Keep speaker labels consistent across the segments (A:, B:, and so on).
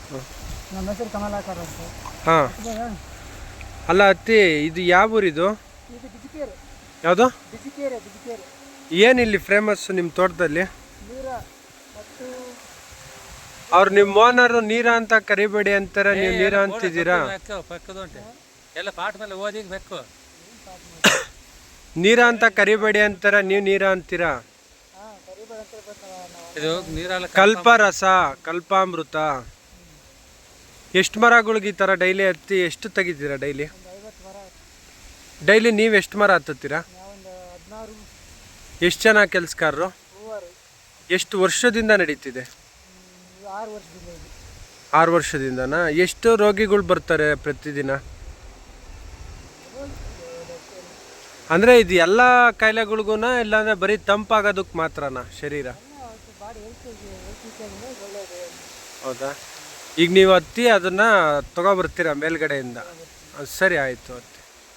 A: ನಮ್ಮ ಹೆಸರು ಕಮಲಾಕರ್ ಅಂತ.
B: ಹಾಂ. ಅಲ್ಲ ಅತ್ತಿ, ಇದು ಯಾವ ಊರಿದು?
A: ಇದು ಬಿಜಿಕೇರಿ.
B: ಯಾವುದು?
A: ಬಿಜಿಕೇರಿ. ಬಿಜಿಕೇರಿ.
B: ಏನಿಲ್ಲಿ ಫೇಮಸ್ ನಿಮ್ಮ ತೋಟದಲ್ಲಿ?
A: ನೀರ ಮತ್ತು
B: ಅವ್ರು ನಿಮ್ಮ ಓನರು ನೀರ ಅಂತ ಕರಿಬೇಡಿ ಅಂತಾರೆ, ನೀವು ನೀರ ಅಂತಿದ್ದೀರಾ.
C: ಎಲ್ಲ ಪಾಠ ಮೇಲೆ ಓದಿ ಬೇಕು.
B: ನೀರ ಅಂತ ಕರಿಬೇಡಿ ಅಂತಾರ, ನೀವು ನೀರ ಅಂತೀರಾ.
C: ಇದು ನೀರಲ್ಲ,
B: ಕಲ್ಪರಸ, ಕಲ್ಪಾಮೃತ. ಎಷ್ಟು ಮರಗಳಿಗೆ ಈ ಥರ ಡೈಲಿ ಹತ್ತಿ ಎಷ್ಟು ತೆಗಿತೀರಾ ಡೈಲಿ? ಡೈಲಿ ನೀವು ಎಷ್ಟು ಮರ ಹತ್ತುತ್ತೀರಾ? ಎಷ್ಟು ಜನ ಕೆಲಸಗಾರರು? ಎಷ್ಟು ವರ್ಷದಿಂದ ನಡೀತಿದೆ? 6 ವರ್ಷದಿಂದನಾ? ಎಷ್ಟು ರೋಗಿಗಳು ಬರ್ತಾರೆ ಪ್ರತಿದಿನ? ಅಂದರೆ ಇದು ಎಲ್ಲ ಕಾಯಿಲೆಗಳಿಗೂ, ಇಲ್ಲಾಂದರೆ ಬರೀ ತಂಪಾಗೋದಕ್ಕೆ ಮಾತ್ರನಾ ಶರೀರ? ಹೌದಾ? ಈಗ ನೀವು ಹತ್ತಿ ಅದನ್ನು ತೊಗೊಬರ್ತೀರಾ ಮೇಲ್ಗಡೆಯಿಂದ? ಸರಿ, ಆಯಿತು ಹತ್ತಿ.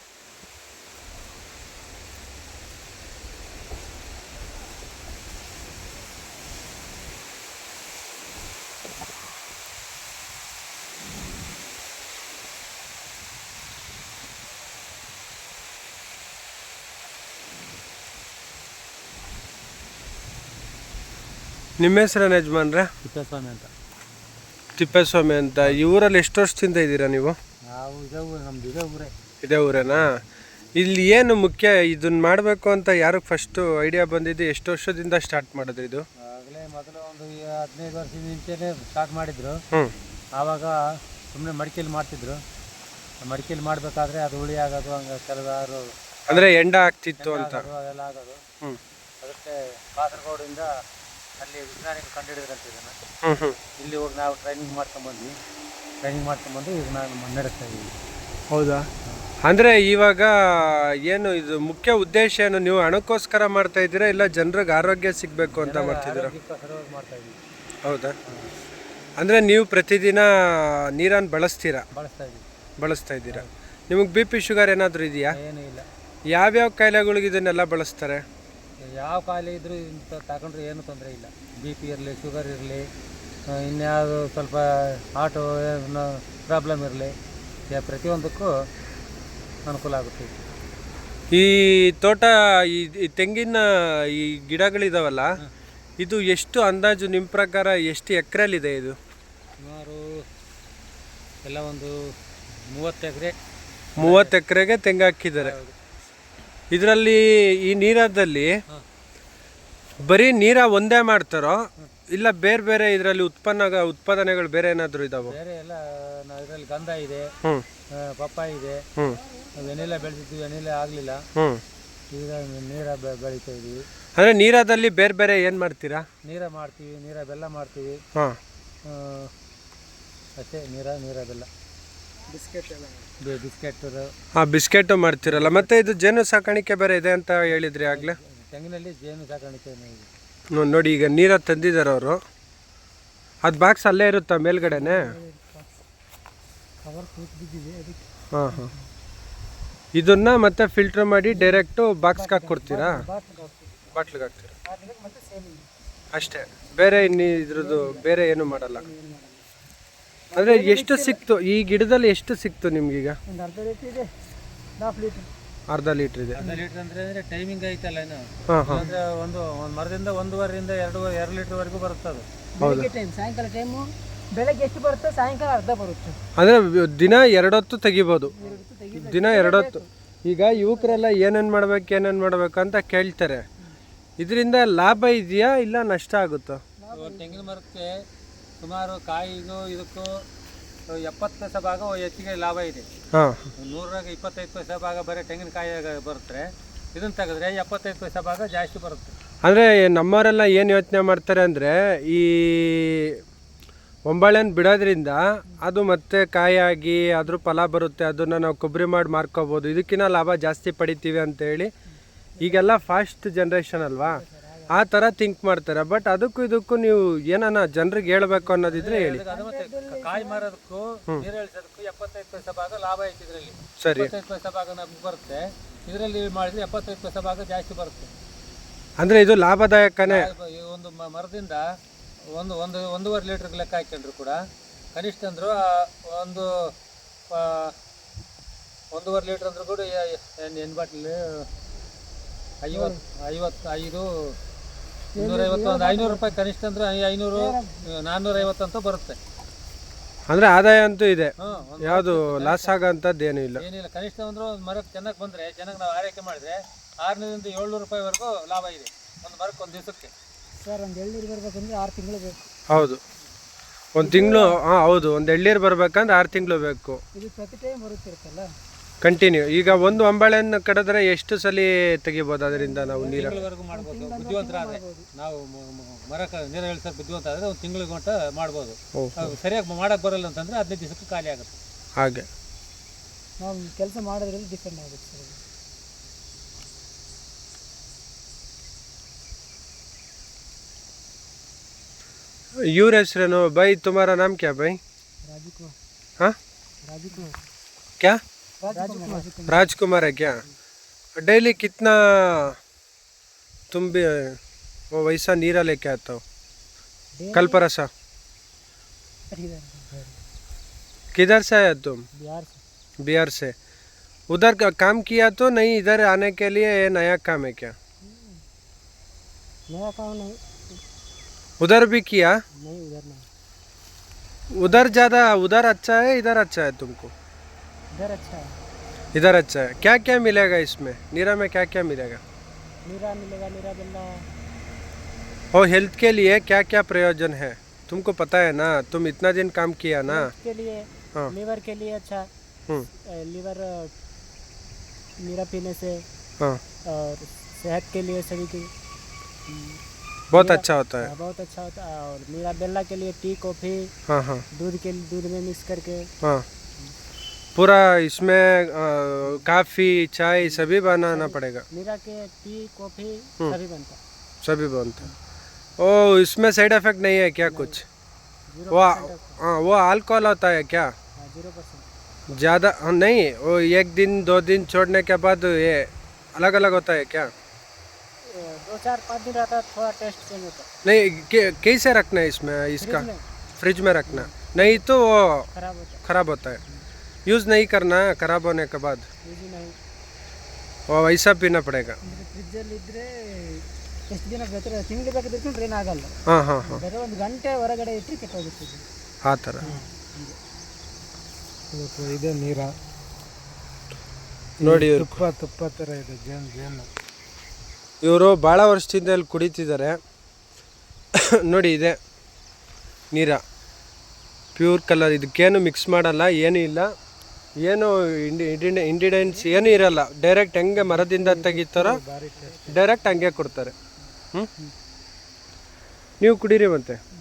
B: ನಿಮ್ಮ ಹೆಸರೇನು ಯಜಮಾನ್ರೆ?
C: ತಿಪ್ಪೇಸ್ವಾಮಿ ಅಂತ.
B: ತಿಪ್ಪೇಸ್ವಾಮಿ ಅಂತ. ಈ ಊರಲ್ಲಿ ಎಷ್ಟು ವರ್ಷದಿಂದ ಇದ್ದೀರಾ ನೀವು?
C: ನಾವು ನಮ್ದು ಇದೇ ಊರೇ.
B: ಇದೇ ಊರೇನಾ? ಇಲ್ಲಿ ಏನು ಮುಖ್ಯ ಇದನ್ನ ಮಾಡಬೇಕು ಅಂತ ಯಾರಿಗೆ ಫಸ್ಟು ಐಡಿಯಾ ಬಂದಿದ್ದು? ಎಷ್ಟು ವರ್ಷದಿಂದ ಸ್ಟಾರ್ಟ್ ಮಾಡಿದ್ರಿ ಇದು?
C: ಆಗಲೇ ಮೊದಲು ಒಂದು 15 ವರ್ಷದ ಮುಂಚೆನೇ ಸ್ಟಾರ್ಟ್ ಮಾಡಿದ್ರು. ಆವಾಗ ಸುಮ್ಮನೆ ಮಡಿಕೆಯಲ್ಲಿ ಮಾಡ್ತಿದ್ರು. ಮಡಿಕೆಯಲ್ಲಿ ಮಾಡಬೇಕಾದ್ರೆ ಅದು ಹುಳಿ ಆಗೋದು, ಹಂಗೆ ಕೆಲವಾರು
B: ಅಂದರೆ ಎಂಡ ಆಗ್ತಿತ್ತು ಅಂತ
C: ಅದೆಲ್ಲ ಆಗೋದು. ಅದಕ್ಕೆ ಕಾಸರಗೋಡಿಂದ ಅಲ್ಲಿ ವಿಜ್ಞಾನಿಗಳು ಕಂಡುಹಿಡಿದ್ರಂತ ಇದನ್ನು. ಇಲ್ಲಿ ಹೋಗಿ ನಾವು ಟ್ರೈನಿಂಗ್ ಮಾಡ್ಕೊಂಡ್ಬಂದು ಈಗ ನಾನು ನಡೆಸ್ತಾ ಇದ್ದೀವಿ.
B: ಹೌದಾ? ಅಂದರೆ ಇವಾಗ ಏನು ಇದು ಮುಖ್ಯ ಉದ್ದೇಶ ಏನು? ನೀವು ಹಣಕ್ಕೋಸ್ಕರ ಮಾಡ್ತಾ ಇದ್ದೀರಾ, ಇಲ್ಲ ಜನರಿಗೆ ಆರೋಗ್ಯ ಸಿಗಬೇಕು ಅಂತ ಮಾಡ್ತಿದ್ದೀರಾ?
C: ಮಾಡ್ತಾ ಇದ್ದೀವಿ.
B: ಹೌದಾ? ಅಂದರೆ ನೀವು ಪ್ರತಿದಿನ ನೀರನ್ನು ಬಳಸ್ತಾ ಇದ್ದೀರಾ. ನಿಮಗೆ BP ಶುಗರ್ ಏನಾದರೂ ಇದೆಯಾ?
C: ಏನೂ ಇಲ್ಲ.
B: ಯಾವ್ಯಾವ ಕಾಯಿಲೆಗಳಿಗೆ ಇದನ್ನೆಲ್ಲ ಬಳಸ್ತಾರೆ?
C: ಯಾವ ಕಾಯಿಲೆ ಇದ್ರೂ ಇಂಥ ತಗೊಂಡ್ರೆ ಏನೂ ತೊಂದರೆ ಇಲ್ಲ. BP ಇರಲಿ, ಶುಗರ್ ಇರಲಿ, ಇನ್ಯಾವುದು ಸ್ವಲ್ಪ ಆಟೋ ಪ್ರಾಬ್ಲಮ್ ಇರಲಿ, ಪ್ರತಿಯೊಂದಕ್ಕೂ ಅನುಕೂಲ ಆಗುತ್ತೆ.
B: ಈ ತೋಟ, ಈ ತೆಂಗಿನ ಈ ಗಿಡಗಳಿದಾವಲ್ಲ, ಇದು ಎಷ್ಟು ಅಂದಾಜು ನಿಮ್ಮ ಪ್ರಕಾರ ಎಷ್ಟು ಎಕರೆಲಿದೆ ಇದು?
C: ಸುಮಾರು ಎಲ್ಲ ಒಂದು 30 ಎಕರೆ.
B: 30 ಎಕರೆಗೆ ತೆಂಗು ಹಾಕಿದ್ದಾರೆ. ಇದರಲ್ಲಿ ಈ ನೀರದಲ್ಲಿ ಬರೀ ನೀರ ಒಂದೇ ಮಾಡ್ತಾರೋ, ಇಲ್ಲ ಬೇರೆ ಬೇರೆ ಇದರಲ್ಲಿ ಉತ್ಪಾದನೆಗಳು ಬೇರೆ ಏನಾದರೂ ಇದಾವೆ?
C: ಬೇರೆ ಎಲ್ಲ ಇದರಲ್ಲಿ ಗಂಧ ಇದೆ, ಪಪ್ಪಾಯಿ ಇದೆ, ವೆನಿಲಾ ಬೆಳೆದಿದ್ವಿ, ವೆನಿಲಾ ಆಗಲಿಲ್ಲ, ಈಗ ನೀರ ಬೆಳೀತಾ ಇದೀವಿ.
B: ಅಂದರೆ ನೀರದಲ್ಲಿ ಬೇರೆ ಬೇರೆ ಏನು ಮಾಡ್ತೀರಾ?
C: ನೀರ ಮಾಡ್ತೀವಿ, ನೀರ ಬೆಲ್ಲ ಮಾಡ್ತೀವಿ. ಅಷ್ಟೇ, ನೀರ ಬೆಲ್ಲ,
B: ಬಿಸ್ಕೆಟ್ ಮಾಡ್ತೀರಲ್ಲ. ಮತ್ತೆ ಇದು ಜೇನು ಸಾಕಾಣಿಕೆ ಬೇರೆ ಇದೆ ಅಂತ ಹೇಳಿದ್ರಿ ಆಗಲೇ.
C: ತೆಂಗಿನಲ್ಲಿ ಜೇನು ಸಾಕಾಣಿಕೆ
B: ನೋಡಿ, ಈಗ ನೀರ ತಂದಿದ್ದಾರೆ ಅವರು. ಅದು ಬಾಕ್ಸ್ ಅಲ್ಲೇ ಇರುತ್ತಾ ಮೇಲ್ಗಡೆನೆ? ಹಾಂ. ಇದನ್ನ ಮತ್ತೆ ಫಿಲ್ಟರ್ ಮಾಡಿ ಡೈರೆಕ್ಟು ಬಾಕ್ಸ್ಗೆ ಹಾಕ್ಕೊಡ್ತೀರಾ? ಬಾಟ್ಲಿಗೆ ಹಾಕ್ತೀರಾ ಅಷ್ಟೇ, ಬೇರೆ ಇದ್ರದ್ದು ಬೇರೆ ಏನು ಮಾಡಲ್ಲ. ಅಂದರೆ ಎಷ್ಟು ಸಿಕ್ತು ಈ ಗಿಡದಲ್ಲಿ? ಎಷ್ಟು ಸಿಕ್ತು ನಿಮ್ಗೀಗ? ಅರ್ಧ ಲೀಟ್ರ್ ಇದೆ.
C: ಅರ್ಧ ಲೀಟ್ರ್ ಅಂದರೆ ಟೈಮಿಂಗ್ ಐತಲ್ಲ ಏನು? ಅಂದರೆ ಒಂದು ಮರದಿಂದ 1.5ರಿಂದ 2 ಲೀಟ್ರ್ವರೆಗೂ ಬರುತ್ತೆ ಅದು.
A: ಸಾಯಂಕಾಲ ಟೈಮು ಬೆಳಗ್ಗೆ ಎಷ್ಟು ಬರುತ್ತೆ, ಸಾಯಂಕಾಲ ಅರ್ಧ ಬರುತ್ತೆ.
B: ಅಂದರೆ ದಿನ 2 ಹೊತ್ತು ತೆಗಿಬೋದು. ದಿನ 2 ಹೊತ್ತು. ಈಗ ಯುವಕರೆಲ್ಲ ಏನೇನು ಮಾಡ್ಬೇಕು ಅಂತ ಕೇಳ್ತಾರೆ. ಇದರಿಂದ ಲಾಭ ಇದೆಯಾ ಇಲ್ಲ ನಷ್ಟ ಆಗುತ್ತಾ?
C: ತೆಂಗಿನ ಮರಕ್ಕೆ ಸುಮಾರು ಕಾಯಿಗೂ ಇದಕ್ಕೂ 70 ಪೈಸೆ ಭಾಗ ಹೆಚ್ಚಿಗೆ ಲಾಭ ಇದೆ. 100ರಾಗ 25 ಪೈಸೆ ಭಾಗ ಬರೀ ತೆಂಗಿನಕಾಯಿ ಬರುತ್ತೆ. ಇದನ್ನು ತೆಗೆದ್ರೆ 75 ಪೈಸೆ ಭಾಗ ಜಾಸ್ತಿ ಬರುತ್ತೆ.
B: ಅಂದರೆ ನಮ್ಮವರೆಲ್ಲ ಏನು ಯೋಚನೆ ಮಾಡ್ತಾರೆ ಅಂದರೆ, ಈ ಒಂಬಾಳೆನ ಬಿಡೋದ್ರಿಂದ ಅದು ಮತ್ತೆ ಕಾಯಾಗಿ ಅದ್ರ ಫಲ ಬರುತ್ತೆ, ಅದನ್ನು ನಾವು ಕೊಬ್ಬರಿ ಮಾಡಿ ಮಾರ್ಕೋಬೋದು, ಇದಕ್ಕಿಂತ ಲಾಭ ಜಾಸ್ತಿ ಪಡಿತೀವಿ ಅಂತೇಳಿ ಈಗೆಲ್ಲ ಫಾಸ್ಟ್ ಜನ್ರೇಷನ್ ಅಲ್ವಾ, ಆ ಥರ ಥಿಂಕ್ ಮಾಡ್ತಾರೆ. ಬಟ್ ಅದಕ್ಕೂ ಇದಕ್ಕೂ ನೀವು ಏನಾನ ಜನರಿಗೆ ಹೇಳ್ಬೇಕು ಅನ್ನೋದಿದ್ರೆ ಹೇಳಿ.
C: ಕಾಯಿ ಮಾರೋದಕ್ಕೂ ನೀರು ಇಳಿಸೋದಕ್ಕೂ 75 ಪೈಸೆ ಭಾಗ ಲಾಭ ಐತಿ ಇದರಲ್ಲಿ.
B: ಸರಿ,
C: 75 ಪೈಸೆ ಭಾಗ ನಮ್ಗೆ ಬರುತ್ತೆ. ಇದರಲ್ಲಿ ಮಾಡಿದ್ರೆ 75 ಪೈಸೆ ಭಾಗ ಜಾಸ್ತಿ ಬರುತ್ತೆ.
B: ಅಂದರೆ ಇದು ಲಾಭದಾಯಕನೇ.
C: ಒಂದು ಮರದಿಂದ 1.5 ಲೀಟರ್ ಲೆಕ್ಕ ಹಾಕೊಂಡ್ರು ಕೂಡ ಕನಿಷ್ಠ ಅಂದರೂ ಒಂದು 1.5 ಲೀಟ್ರ್ ಅಂದ್ರೂ ಕೂಡ ಎಣ್ಣೆ ಬಾಟ್ಲಿ 55 250 ಒಂದು 500 ರೂಪಾಯಿ ಕನಿಷ್ಠ ಅಂದ್ರೆ 500 450 ಅಂತ ಬರುತ್ತೆ.
B: ಅಂದರೆ ಆದಾಯ ಅಂತೂ ಇದೆ,
C: ಹ್ಞೂ
B: ಯಾವುದು ಲಾಸ್ ಆಗೋಂಥದ್ದು ಏನೂ ಇಲ್ಲ.
C: ಏನಿಲ್ಲ. ಕನಿಷ್ಠ ಅಂದ್ರೆ ಒಂದು ಮರಕ್ಕೆ ಚೆನ್ನಾಗಿ ಬಂದರೆ ಚೆನ್ನಾಗಿ ನಾವು ಆರೈಕೆ ಮಾಡಿದ್ರೆ 600ರಿಂದ 700 ರೂಪಾಯಿವರೆಗೂ ಲಾಭ ಇದೆ ಒಂದು ಮರಕ್ಕೆ ಒಂದು ದಿವಸಕ್ಕೆ.
A: ಸರ್ ಒಂದು ಎಳ್ನೀರು ಬರಬೇಕಂದ್ರೆ 6 ತಿಂಗಳು ಬೇಕು.
B: ಹೌದು, ಒಂದು ತಿಂಗಳು. ಹಾಂ ಹೌದು, ಒಂದು ಎಳ್ನೀರು ಬರ್ಬೇಕಂದ್ರೆ 6 ತಿಂಗಳು ಬೇಕು.
A: ಇದು ಪ್ರತಿ ಟೈಮ್ ಬರುತ್ತಿರುತ್ತಲ್ಲ
B: ಕಂಟಿನ್ಯೂ. ಈಗ ಒಂದು ಅಂಬಾಳೆಯನ್ನು ಕಡಿದ್ರೆ ಎಷ್ಟು ಸಲ ತೆಗಿಬೋದು ಅದರಿಂದ ನಾವು ನೀರು?
C: ತಿಂಗಳವರೆಗೂ ಮಾಡ್ಬೋದು ಬುದ್ಧಿವಂತರಾದರೆ. ನಾವು ಮರಕ್ಕೆ ನೀರು ಇಳಿಸೋದು ಬುದ್ಧಿವಂತ ಆದರೆ ಒಂದು ತಿಂಗಳಿಗೆ ಗಂಟ ಮಾಡ್ಬೋದು. ಸರಿಯಾಗಿ ಮಾಡೋಕ್ಕೆ ಬರಲ್ಲ ಅಂತಂದರೆ 15 ದಿವಸಕ್ಕೆ ಖಾಲಿ ಆಗುತ್ತೆ.
B: ಹಾಗೆ
A: ನಾವು ಕೆಲಸ ಮಾಡೋದ್ರಲ್ಲಿ ಡಿಪೆಂಡ್ ಆಗುತ್ತೆ ಸರ್.
B: ಇವ್ರ ಹೆಸರೇನು ಬೈ? तुम्हारा नाम क्या भाई?
A: राजकुमार.
B: हाँ,
A: राजकुमार.
B: क्या?
A: राजकुमार.
B: राजकुमार है क्या? डेली कितना तुम भी वो वैसा नीरा लेके आता हो? कल परसा किधर से आया तुम?
A: बिहार से.
B: बिहार से. उधर का काम किया तो नहीं, इधर आने के लिए ये नया काम है क्या?
A: नया काम नहीं.
B: उधर भी किया?
A: नहीं उधर नहीं.
B: उधर ज़्यादा, उधर अच्छा है इधर अच्छा है तुमको?
A: इधर अच्छा है.
B: इधर अच्छा है. क्या क्या मिलेगा इसमें? नीरा में क्या क्या मिलेगा?
A: नीरा मिलेगा, नीरा बेल्ला.
B: और हेल्थ के लिए क्या क्या प्रयोजन है तुमको पता है ना, तुम इतना दिन काम किया ना.
A: के लिए
B: हाँ.
A: लीवर के लिए अच्छा. लीवर नीरा पीने से.
B: हाँ.
A: और सेहत के लिए सभी की
B: बहुत अच्छा होता है.
A: बहुत अच्छा होता है. और नीरा बेल्ला के लिए टी कॉफ़ी.
B: हाँ हाँ.
A: दूध में मिक्स करके.
B: हाँ, पूरा इसमें काफ़ी चाय सभी बनाना पड़ेगा.
A: नीरा के टी कॉफ़ी सभी बनता है.
B: सभी बनता है. ओ, इसमें साइड इफेक्ट नहीं है क्या कुछ? वो हाँ, वो अल्कोहल होता है क्या?
A: 0%.
B: ज़्यादा नहीं, वो 1 दिन 2 दिन छोड़ने के बाद ये अलग अलग होता है क्या?
A: 2-4-5 दिन रहता है, थोड़ा टेस्ट चेंज होता है.
B: नहीं, कैसे रखना है इसमें इसका?
A: फ्रिज में
B: फ्रिज में रखना, नहीं तो वो
A: खराब होता है.
B: खराब होता है. यूज़ नहीं करना है खराब होने के बाद,
A: ಯೂಸ್ नहीं.
B: वो वैसा पीना पड़ेगा.
A: ಫ್ರಿಜ್ಜಲ್ಲಿ ಇದ್ದರೆ ಎಷ್ಟು ದಿನ ಬೇಕಾದ್ರೆ ತಿಂಗಳು ಬೇಕಾದ್ರೆ ಇಟ್ಕೊಂಡ್ರೆ ಏನಾಗಲ್ಲ.
B: ಹಾಂ ಹಾಂ ಹಾಂ,
A: ಬೇರೆ 1 ಗಂಟೆ ಹೊರಗಡೆ ಇಟ್ಟರೆ ಕೆಟ್ಟೋಗುತ್ತೆ.
B: ಆ ಥರ.
A: ಇದೆ ನೀರ
B: ನೋಡಿ,
A: ತುಪ್ಪ ಥರ ಇದೆ ಜೇನು.
B: ಇವರು ಭಾಳ ವರ್ಷದಿಂದ ಇಲ್ಲಿ ಕುಡಿತಿದ್ದಾರೆ. ನೋಡಿ, ಇದೆ ನೀರ, ಪ್ಯೂರ್ ಕಲರ್. ಇದಕ್ಕೇನು ಮಿಕ್ಸ್ ಮಾಡಲ್ಲ, ಏನೂ ಇಲ್ಲ, ಏನು ಇಂಡಿಡೆಂಟ್ಸ್ ಏನೂ ಇರಲ್ಲ. ಡೈರೆಕ್ಟ್ ಹೆಂಗೆ ಮರದಿಂದ ತೆಗಿತಾರೋ ಡೈರೆಕ್ಟ್ ಹಂಗೆ ಕೊಡ್ತಾರೆ. ನೀವು ಕುಡೀರಿ ಮತ್ತೆ.